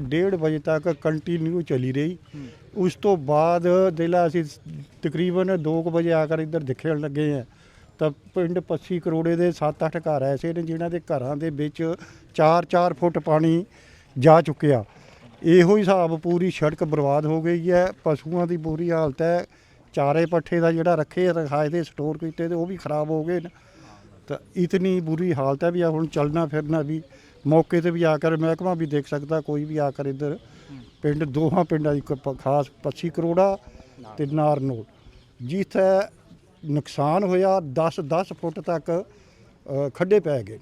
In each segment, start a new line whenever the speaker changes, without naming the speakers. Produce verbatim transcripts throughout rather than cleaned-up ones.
डेढ़ बजे तक कंटिन्यू चली रही। उस तो बाद जिला असी तकरीबन दो बजे आकर इधर दिखण लगे हैं तो पिंड पस्सी करोड़े के सत्त अठ घर ऐसे ने जिन्हों के घरों के विच चार चार फुट पानी जा चुकिया। इहो हिसाब पूरी सड़क बर्बाद हो गई है। पशुओं की बुरी हालत है। चारे पट्ठे का जोड़ा रखे रखाए थे स्टोर किए तो वह भी खराब हो गए। तो इतनी बुरी हालत है भी हुण चलना फिरना भी मौके पर भी आकर महकमा भी देख सकता, कोई भी आकर इधर पिंड दोहां पिंडा की खास पस्सी करोड़ा ते नारनोल जिथे नुकसान होया दस दस फुट तक खड्डे पै गए।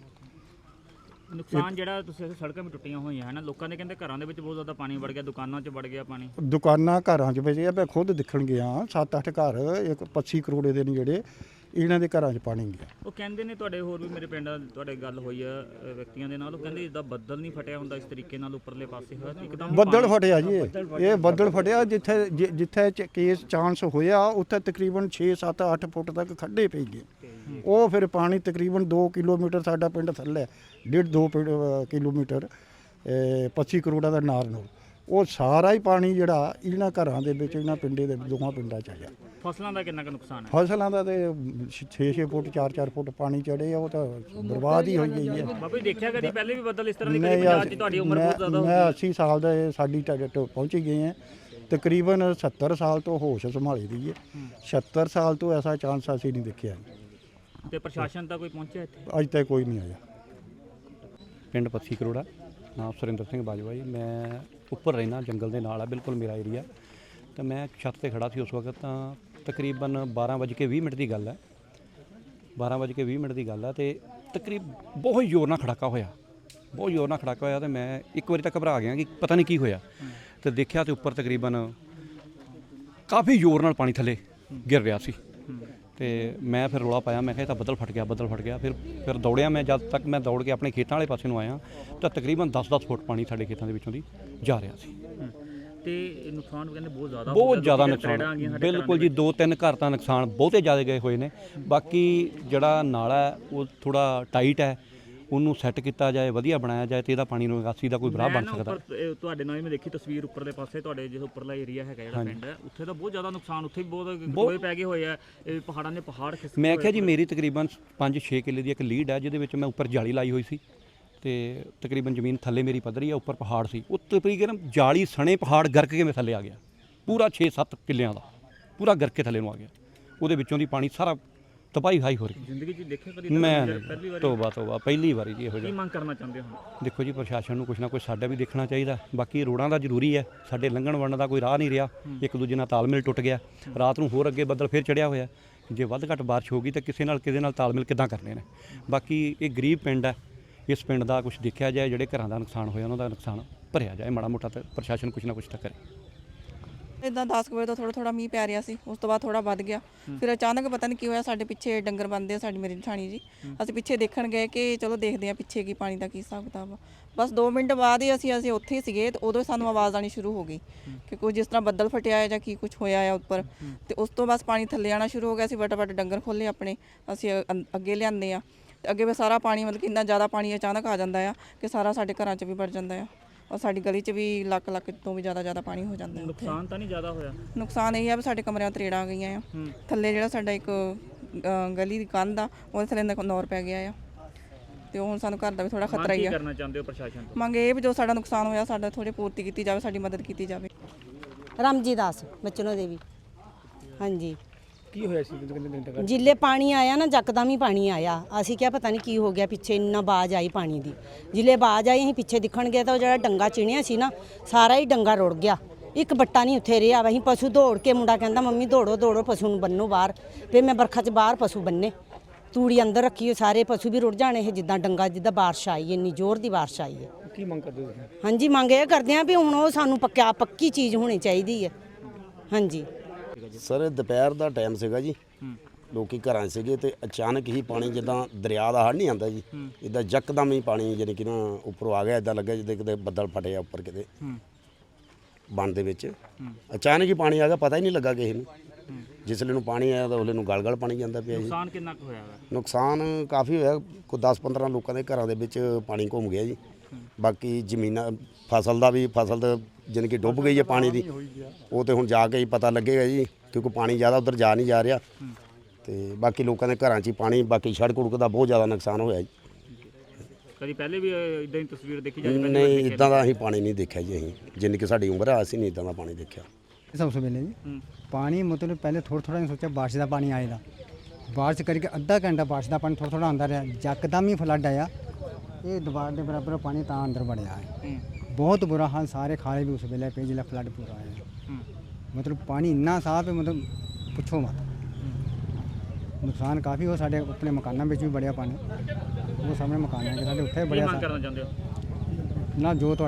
नुकसान जिहड़ा तुसीं सड़कां भी टुट्टियां होईयां है ना, लोकां दे कहंदे घरां दे विच बहुत ज़्यादा पानी वड़ गया, दुकानां 'च वड़ गया पानी।
दुकानां घरां 'च वज गया। मैं खुद दिखण गया सत्त अठ घर एक पस्सी करोड़े दे ने जिहड़े इन्हां दे घरां 'च पानी गया।
ਉਹ ਕਹਿੰਦੇ ਨੇ ਤੁਹਾਡੇ ਹੋਰ ਵੀ ਮੇਰੇ ਪਿੰਡ ਤੁਹਾਡੇ ਗੱਲ ਹੋਈ ਆ ਅ, ਵਿਅਕਤੀਆਂ ਦੇ ਨਾਲ, ਉਹ ਕਹਿੰਦੇ ਜਿੱਦਾਂ ਬੱਦਲ ਨਹੀਂ ਫਟਿਆ ਹੁੰਦਾ ਇਸ ਤਰੀਕੇ ਨਾਲ ਉੱਪਰਲੇ ਪਾਸੇ ਹੋਇਆ ਇੱਕਦਮ
ਬੱਦਲ ਫਟਿਆ ਜੀ, ਇਹ ਬੱਦਲ ਫਟਿਆ ਜਿੱਥੇ ਜਿ- ਜਿੱਥੇ ਚ- ਕੇਸ ਚਾਂਸ ਹੋਇਆ ਉੱਥੇ ਤਕਰੀਬਨ ਛੇ ਸੱਤ ਅੱਠ ਫੁੱਟ ਤੱਕ ਖੱਡੇ ਪੈ ਗਏ। ਉਹ ਫਿਰ ਪਾਣੀ ਤਕਰੀਬਨ ਦੋ ਕਿਲੋਮੀਟਰ ਸਾਡਾ ਪਿੰਡ ਥੱਲੇ ਡੇਢ ਦੋ ਪਿੰਡ, ਅ, ਕਿਲੋਮੀਟਰ ਪੱਚੀ ਕਰੋੜਾ ਦਾ ਨਾਰਨੋਲ ਉਹ ਸਾਰਾ ਹੀ ਪਾਣੀ ਜਿਹੜਾ ਇਹਨਾਂ ਘਰਾਂ ਦੇ ਵਿੱਚ ਇਹਨਾਂ ਪਿੰਡੇ ਦੇ ਦੋਵਾਂ ਪਿੰਡਾਂ 'ਚ ਆ ਗਿਆ।
ਫਸਲਾਂ ਦਾ ਕਿੰਨਾ ਕੁ ਨੁਕਸਾਨ ਹੈ?
ਫਸਲਾਂ ਦਾ ਤੇ ਛੇ ਛੇ ਫੁੱਟ ਚਾਰ ਚਾਰ ਫੁੱਟ ਪਾਣੀ ਚੜੇ ਆ, ਉਹ ਤਾਂ ਬਰਬਾਦ ਹੀ ਹੋਈ ਗਈ ਹੈ।
ਬਾਬਾ ਜੀ ਦੇਖਿਆ ਕਦੀ ਪਹਿਲੇ ਵੀ ਬੱਦਲ ਇਸ ਤਰ੍ਹਾਂ ਦੀ ਕਦੀ
ਨਹੀਂ
ਪੰਜਾਬ 'ਚ ਤੁਹਾਡੀ ਉਮਰ ਬਹੁਤ ਜ਼ਿਆਦਾ ਹੋ
ਮੈਂ
ਗਈ।
अस्सी ਸਾਲ ਦਾ ਸਾਡੀ ਟਾਰਗੇਟ ਪਹੁੰਚ ਗਏ ਹਾਂ। ਤਕਰੀਬਨ ਸੱਤਰ ਸਾਲ ਤੋਂ ਹੋਸ਼ ਸੰਭਾਲੀ ਦੀ ਹੈ। ਛਿਹੱਤਰ ਸਾਲ ਤੋਂ ਐਸਾ ਚਾਂਸ ਅਸੀਂ ਨਹੀਂ ਦੇਖਿਆ।
ਤੇ ਪ੍ਰਸ਼ਾਸਨ ਤਾਂ ਕੋਈ ਪਹੁੰਚਿਆ ਇੱਥੇ?
ਅੱਜ ਤੱਕ ਕੋਈ ਨਹੀਂ ਆਇਆ।
ਪਿੰਡ ਪੱਸੀ ਕਰੋੜਾ, ਨਾਮ ਸੁਰਿੰਦਰ ਸਿੰਘ ਬਾਜਵਾ ਜੀ। ਮੈਂ ਉੱਪਰ ਰਹਿਣਾ ਜੰਗਲ ਦੇ ਨਾਲ ਆ ਬਿਲਕੁਲ ਮੇਰਾ ਏਰੀਆ। ਤਾਂ ਮੈਂ ਛੱਤ ਤੇ ਖੜਾ ਸੀ ਉਸ ਵਕਤ। ਤਾਂ ਤਕਰੀਬਨ ਬਾਰਾਂ ਵੱਜ ਕੇ ਵੀਹ ਮਿੰਟ ਦੀ ਗੱਲ ਹੈ ਬਾਰਾਂ ਵੱਜ ਕੇ ਵੀਹ ਮਿੰਟ ਦੀ ਗੱਲ ਹੈ ਤੇ ਤਕਰੀਬ ਬਹੁਤ ਜ਼ੋਰ ਨਾਲ ਖੜਾਕਾ ਹੋਇਆ ਬਹੁਤ ਜ਼ੋਰ ਨਾਲ ਖੜਾਕਾ ਹੋਇਆ। ਤੇ ਮੈਂ ਇੱਕ ਵਾਰੀ ਤਾਂ ਘਬਰਾ ਗਿਆ ਕਿ ਪਤਾ ਨਹੀਂ ਕੀ ਹੋਇਆ। ਤੇ ਦੇਖਿਆ ਤੇ ਉੱਪਰ ਤਕਰੀਬਨ ਕਾਫੀ ਜ਼ੋਰ ਨਾਲ ਪਾਣੀ ਥੱਲੇ ਗਿਰ ਰਿਹਾ ਸੀ। ਤੇ ਮੈਂ ਫਿਰ ਰੌਲਾ ਪਾਇਆ, ਮੈਂ ਕਿਹਾ ਇਹ ਤਾਂ ਬੱਦਲ ਫਟ ਗਿਆ ਬੱਦਲ ਫਟ ਗਿਆ। ਫਿਰ ਫਿਰ ਦੌੜਿਆ ਮੈਂ, ਜਦ ਤੱਕ ਮੈਂ ਦੌੜ ਕੇ ਆਪਣੇ ਖੇਤਾਂ ਵਾਲੇ ਪਾਸੇ ਨੂੰ ਆਇਆ ਤਾਂ ਤਕਰੀਬਨ ਦਸ ਦਸ ਫੁੱਟ ਪਾਣੀ ਸਾਡੇ ਖੇਤਾਂ ਦੇ ਵਿੱਚੋਂ ਦੀ ਜਾ ਰਿਹਾ ਸੀ।
ਤੇ ਨੁਕਸਾਨ ਕਹਿੰਦੇ ਬਹੁਤ ਜ਼ਿਆਦਾ ਹੋ
ਬਹੁਤ
ਗਿਆ,
ਜ਼ਿਆਦਾ
ਲੋਕੀ ਤਰੇੜਾਂ ਆ ਗਈਆਂ
ਨੁਕਸਾਨ,
ਸਾਡੇ
ਬਿਲਕੁਲ ਜੀ। ਦੋ ਤਿੰਨ ਘਰ ਤਾਂ ਨੁਕਸਾਨ ਬਹੁਤੇ ਜ਼ਿਆਦਾ ਗਏ ਹੋਏ ਨੇ। ਬਾਕੀ ਜਿਹੜਾ ਨਾਲਾ ਹੈ ਉਹ ਥੋੜਾ ਟਾਈਟ ਹੈ, ਉਹਨੂੰ ਸੈੱਟ ਕੀਤਾ ਜਾਏ, ਵਧੀਆ ਬਣਾਇਆ ਜਾਏ ਤੇ ਇਹਦਾ ਪਾਣੀ ਨੂੰ ਨਿਕਾਸੀ ਦਾ ਕੋਈ ਰਾਹ ਬਣ ਸਕਦਾ।
ਉੱਪਰ, ਇਹ ਤੁਹਾਡੇ ਨਾਲ ਹੀ ਮੈਂ ਦੇਖੀ ਤਸਵੀਰ ਉੱਪਰਲੇ ਪਾਸੇ ਤੁਹਾਡੇ ਜਿਹੜਾ ਉੱਪਰਲਾ ਏਰੀਆ ਹੈਗਾ ਜਿਹੜਾ ਪਿੰਡ ਹੈ ਉੱਥੇ ਤਾਂ ਬਹੁਤ ਜ਼ਿਆਦਾ ਨੁਕਸਾਨ, ਉੱਥੇ ਵੀ ਬਹੁਤ ਗੋਏ ਪੈ ਗਏ ਹੋਏ ਆ। ਇਹ ਪਹਾੜਾਂ ਦੇ ਪਹਾੜ ਖਿਸਕ
ਮੈਂ ਕਿਹਾ ਜੀ ਮੇਰੀ ਤਕਰੀਬਨ ਪੰਜ ਛੇ ਕਿੱਲੇ ਦੀ ਇੱਕ ਲੀਡ ਹੈ ਜਿਹਦੇ ਵਿੱਚ ਮੈਂ ਉੱਪਰ ਜਾਲੀ ਲਾਈ ਹੋਈ ਸੀ। ਤੇ ਤਕਰੀਬਨ ਜ਼ਮੀਨ ਥੱਲੇ ਮੇਰੀ ਪੱਧਰੀ ਆ, ਉੱਪਰ ਪਹਾੜ ਸੀ। ਉਹ ਤਕਰੀਬਨ ਜਾਲੀ ਸਣੇ ਪਹਾੜ ਗਰਕ ਕੇ ਮੈਂ ਥੱਲੇ ਆ ਗਿਆ। ਪੂਰਾ ਛੇ ਸੱਤ ਕਿੱਲਿਆਂ ਦਾ ਪੂਰਾ ਗਰਕ ਕੇ ਥੱਲੇ ਨੂੰ ਆ ਗਿਆ। ਉਹਦੇ ਵਿੱਚੋਂ ਦੀ ਪਾਣੀ ਸਾਰਾ ਤਬਾਹੀ ਹਾਈ ਹੋ ਰਹੀ।
ਜ਼ਿੰਦਗੀ 'ਚ ਦੇਖਿਆ ਕਦੀ?
ਮੈਂ
ਪਹਿਲੀ ਵਾਰੀ
ਤੋਬਾ ਤੋਬਾ ਪਹਿਲੀ ਵਾਰੀ ਜੀ ਇਹੋ
ਕੀ
ਜਿਹਾ।
ਮੰਗ ਕਰਨਾ ਚਾਹੁੰਦੇ ਹੋ?
ਦੇਖੋ ਜੀ ਪ੍ਰਸ਼ਾਸਨ ਨੂੰ ਕੁਛ ਨਾ ਕੁਛ ਸਾਡਾ ਵੀ ਦੇਖਣਾ ਚਾਹੀਦਾ। ਬਾਕੀ ਰੋਡਾਂ ਦਾ ਜ਼ਰੂਰੀ ਹੈ, ਸਾਡੇ ਲੰਘਣ ਵੜਨ ਦਾ ਕੋਈ ਰਾਹ ਨਹੀਂ ਰਿਹਾ। ਇੱਕ ਦੂਜੇ ਨਾਲ ਤਾਲਮੇਲ ਟੁੱਟ ਗਿਆ। ਰਾਤ ਨੂੰ ਹੋਰ ਅੱਗੇ ਬੱਦਲ ਫਿਰ ਚੜਿਆ ਹੋਇਆ। ਜੇ ਵੱਧ ਘੱਟ ਬਾਰਿਸ਼ ਹੋ ਗਈ ਤਾਂ ਕਿਸੇ ਨਾਲ ਕਿਸੇ ਨਾਲ ਤਾਲਮੇਲ ਕਿੱਦਾਂ ਕਰਨੇ ਨੇ। ਬਾਕੀ ਇਹ ਗਰੀਬ ਪਿੰਡ ਹੈ, ਇਸ ਪਿੰਡ ਦਾ ਕੁਛ ਦੇਖਿਆ ਜਾਏ, ਜਿਹੜੇ ਘਰਾਂ ਦਾ ਨੁਕਸਾਨ ਹੋਇਆ ਉਹਨਾਂ ਦਾ ਨੁਕਸਾਨ ਭਰਿਆ ਜਾਏ ਮਾੜਾ ਮੋਟਾ। ਤਾਂ ਪ੍ਰਸ਼ਾਸਨ ਕੁਛ ਨਾ ਕੁਛ ਤਾਂ ਕਰੇ।
ਇੱਦਾਂ ਦਸ ਕੁ ਵਜੇ ਤੋਂ ਥੋੜਾ ਥੋੜਾ ਮੀਂਹ ਪੈ ਰਿਹਾ ਸੀ, ਉਸ ਤੋਂ ਬਾਅਦ ਥੋੜਾ ਵੱਧ ਗਿਆ। ਫਿਰ ਅਚਾਨਕ ਪਤਾ ਨਹੀਂ ਕੀ ਹੋਇਆ, ਸਾਡੇ ਪਿੱਛੇ ਡੰਗਰ ਬੰਦੇ ਆ, ਸਾਡੀ ਮੇਰੀ ਜਠਾਣੀ ਜੀ। ਅਸੀਂ ਪਿੱਛੇ ਦੇਖਣ ਗਏ ਕਿ ਚਲੋ ਦੇਖਦੇ ਆ ਪਿੱਛੇ ਕੀ ਪਾਣੀ ਦਾ ਕੀ ਹਿਸਾਬ ਕਿਤਾਬ ਆ। ਬਸ ਦੋ ਮਿੰਟ ਬਾਅਦ ਹੀ ਅਸੀਂ ਅਸੀਂ ਉੱਥੇ ਹੀ ਸੀਗੇ ਤੇ ਉਦੋਂ ਸਾਨੂੰ ਆਵਾਜ਼ ਆਣੀ ਸ਼ੁਰੂ ਹੋ ਗਈ ਕਿ ਕੋਈ ਜਿਸ ਤਰ੍ਹਾਂ ਬੱਦਲ ਫਟਿਆ ਹੈ ਜਾਂ ਕੀ ਕੁਝ ਹੋਇਆ ਆ ਉੱਪਰ। ਤੇ ਉਸ ਤੋਂ ਬਸ ਪਾਣੀ ਥੱਲੇ ਆਣਾ ਸ਼ੁਰੂ ਹੋ ਗਿਆ। ਅਸੀਂ ਫਟਾਫਟ ਡੰਗਰ ਖੋਲ੍ਹੇ ਆਪਣੇ, ਅਸੀਂ ਅ- ਅੱਗੇ ਲਿਆਂਦੇ ਆ। ਤੇ ਅੱਗੇ ਵੀ ਸਾਰਾ ਪਾਣੀ, ਮਤਲਬ ਕਿ ਇੰਨਾ ਜ਼ਿਆਦਾ ਪਾਣੀ ਅਚਾਨਕ ਆ ਜਾਂਦਾ ਆ ਕਿ ਸਾਰਾ ਸਾਡੇ ਘਰਾਂ 'ਚ ਵੀ ਵੜ ਜਾਂਦਾ ਆ। ਔਰ ਸਾਡੀ ਗਲੀ 'ਚ ਵੀ ਲੱਖ ਲੱਖ ਤੋਂ ਵੀ ਜ਼ਿਆਦਾ ਜ਼ਿਆਦਾ ਪਾਣੀ ਹੋ ਜਾਂਦਾ ਹੈ।
ਨੁਕਸਾਨ ਤਾਂ ਨਹੀਂ ਜ਼ਿਆਦਾ ਹੋਇਆ?
ਨੁਕਸਾਨ ਇਹ ਆ ਵੀ ਸਾਡੇ ਕਮਰਿਆਂ 'ਚ ਤਰੇੜਾਂ ਆ ਗਈਆਂ ਆ। ਥੱਲੇ ਜਿਹੜਾ ਸਾਡਾ ਇੱਕ ਅ, ਗਲੀ ਦੀ ਕੰਧ ਆ ਉਹਦੇ ਥੱਲੇ ਨਕ- ਨੌਰ ਪੈ ਗਿਆ ਆ। ਤੇ ਉਹ ਹੁਣ ਸਾਨੂੰ ਘਰ ਦਾ ਵੀ ਥੋੜਾ ਖਤਰਾ ਹੀ
ਕੀ
ਆ।
ਕਰਨਾ ਚਾਹੁੰਦੇ ਹੋ ਪ੍ਰਸ਼ਾਸਨ ਤੋਂ?
ਮੰਗ ਇਹ ਵੀ ਜੋ ਸਾਡਾ ਨੁਕਸਾਨ ਹੋਇਆ ਸਾਡਾ ਥੋੜੀ ਪੂਰਤੀ ਕੀਤੀ ਜਾਵੇ, ਸਾਡੀ ਮਦਦ ਕੀਤੀ ਜਾਵੇ।
ਰਾਮਜੀ ਦਾਸ ਬਚਨੋ ਦੇਵੀ। ਹਾਂਜੀ,
ਕੀ ਹੋਇਆ ਸੀ?
ਜਿੱਲੇ ਪਾਣੀ ਆਇਆ ਨਾ ਯਕਦਮ ਹੀ ਪਾਣੀ ਆਇਆ। ਅਸੀਂ ਕਿਹਾ ਪਤਾ ਨਹੀਂ ਕੀ ਹੋ ਗਿਆ, ਪਿੱਛੇ ਇੰਨਾ ਬਾਜ਼ ਆਈ ਪਾਣੀ ਦੀ। ਜਿੱਲੇ ਬਾਜ਼ ਆਈ ਅਸੀਂ ਪਿੱਛੇ ਦਿਖਣ ਗਏ ਤਾਂ ਉਹ ਜਿਹੜਾ ਡੰਗਾ ਚਿਣਿਆ ਸੀ ਨਾ ਸਾਰਾ ਹੀ ਡੰਗਾ ਰੁੜ ਗਿਆ। ਇੱਕ ਬੱਟਾ ਨਹੀਂ ਉੱਥੇ ਰਿਹਾ। ਅਸੀਂ ਪਸ਼ੂ ਦੌੜ ਕੇ, ਮੁੰਡਾ ਕਹਿੰਦਾ ਮੰਮੀ ਦੌੜੋ ਦੌੜੋ ਪਸ਼ੂ ਨੂੰ ਬੰਨੋ ਬਾਹਰ। ਫਿਰ ਮੈਂ ਬਰਖਾ 'ਚ ਬਾਹਰ ਪਸ਼ੂ ਬੰਨੇ, ਤੂੜੀ ਅੰਦਰ ਰੱਖੀ ਹੋਈ, ਸਾਰੇ ਪਸ਼ੂ ਵੀ ਰੁੜ ਜਾਣੇ ਇਹ ਜਿੱਦਾਂ ਡੰਗਾ, ਜਿੱਦਾਂ ਬਾਰਿਸ਼ ਆਈ, ਇੰਨੀ ਜ਼ੋਰ ਦੀ ਬਾਰਿਸ਼ ਆਈ ਹੈ।
ਕੀ ਮੰਗ ਕਰਦੇ ਹੋ?
ਹਾਂਜੀ, ਮੰਗ ਇਹ ਕਰਦੇ ਆ ਵੀ ਹੁਣ ਉਹ ਸਾਨੂੰ ਪੱਕਾ ਪੱਕੀ ਚੀਜ਼ ਹੋਣੀ ਚਾਹੀਦੀ ਹੈ। ਹਾਂਜੀ
ਸਰ ਦੁਪਹਿਰ ਦਾ ਟਾਈਮ ਸੀਗਾ ਜੀ, ਲੋਕੀ ਘਰਾਂ 'ਚ ਸੀਗੇ ਤੇ ਅਚਾਨਕ ਹੀ ਪਾਣੀ ਜਿੱਦਾਂ ਦਰਿਆ ਦਾ ਹੜ੍ਹ ਨਹੀਂ ਆਉਂਦਾ ਜੀ, ਇੱਦਾਂ ਯਕਦਮ ਹੀ ਪਾਣੀ ਜਾਣੀ ਕਿ ਨਾ ਉੱਪਰੋਂ ਆ ਗਿਆ। ਇੱਦਾਂ ਲੱਗਾ ਜਿੱਦਾਂ ਕਿਤੇ ਬੱਦਲ ਫਟਿਆ ਉੱਪਰ ਕਿਤੇ ਬੰਨ ਦੇ ਵਿੱਚ। ਅਚਾਨਕ ਹੀ ਪਾਣੀ ਆ ਗਿਆ, ਪਤਾ ਹੀ ਨਹੀਂ ਲੱਗਾ ਕਿਸੇ ਨੂੰ। ਜਿਸ ਵੇਲੇ ਨੂੰ ਪਾਣੀ ਆਇਆ ਤਾਂ ਉਹਲੇ ਨੂੰ ਗਲ ਗਲ ਪਾਣੀ ਜਾਂਦਾ ਪਿਆ ਜੀ।
ਨੁਕਸਾਨ ਕਿੰਨਾ ਕੁ ਹੋਇਆ?
ਨੁਕਸਾਨ ਕਾਫੀ ਹੋਇਆ, ਕੋਈ ਦਸ ਪੰਦਰਾਂ ਲੋਕਾਂ ਦੇ ਘਰਾਂ ਦੇ ਵਿੱਚ ਪਾਣੀ ਘੁੰਮ ਗਿਆ ਜੀ। ਬਾਕੀ ਜ਼ਮੀਨਾਂ ਫਸਲ ਦਾ ਵੀ ਫਸਲ ਤਾਂ ਜਾਣੀ ਕਿ ਡੁੱਬ ਗਈ ਹੈ ਪਾਣੀ ਦੀ, ਉਹ ਤੇ ਹੁਣ ਜਾ ਕੇ ਹੀ ਪਤਾ ਲੱਗੇਗਾ ਜੀ, ਕਿਉਂਕਿ ਪਾਣੀ ਜ਼ਿਆਦਾ ਉਧਰ ਜਾ ਨਹੀਂ ਜਾ ਰਿਹਾ। ਤੇ ਬਾਕੀ ਲੋਕਾਂ ਦੇ ਘਰਾਂ 'ਚ ਹੀ ਪਾਣੀ, ਬਾਕੀ ਸੜਕ ਉੜਕ ਦਾ ਬਹੁਤ ਜ਼ਿਆਦਾ ਨੁਕਸਾਨ ਹੋਇਆ ਜੀ।
ਕਦੀ ਪਹਿਲੇ ਵੀ ਇਦਾਂ ਦੀ ਤਸਵੀਰ ਦੇਖੀ ਜਾਂਦੀ?
ਨਹੀਂ, ਇਦਾਂ ਦਾ ਅਸੀਂ ਪਾਣੀ ਨਹੀਂ ਦੇਖਿਆ ਜੀ। ਅਸੀਂ ਜਿੰਨੀ ਕਿ ਸਾਡੀ ਉਮਰ ਆ, ਅਸੀਂ ਨਹੀਂ ਇਦਾਂ ਦਾ ਪਾਣੀ ਦੇਖਿਆ।
सबसे पहले जी पानी मतलब पहले थोड़ा थोड़ा नहीं सोचा बारिश का पानी आएगा, बारिश करके अद्धा घंटा बारिश का पानी थोड़ा थोड़ा आंदा रहा, यकदम ही फ्लड आया, ये दीवार के बराबर पानी ता अंदर बढ़िया है। बहुत बुरा हाल, सारे खाले भी उस वेले पे जिला फ्लड पूरा आया, मतलब पानी इन्ना साफ है, मतलब पुछो मत। नुकसान काफ़ी हो, साढ़े अपने मकानों में भी बढ़िया पानी, वो सामने मकान है साढ़े उत्थे बढ़िया
करना चाहते हो
ना जो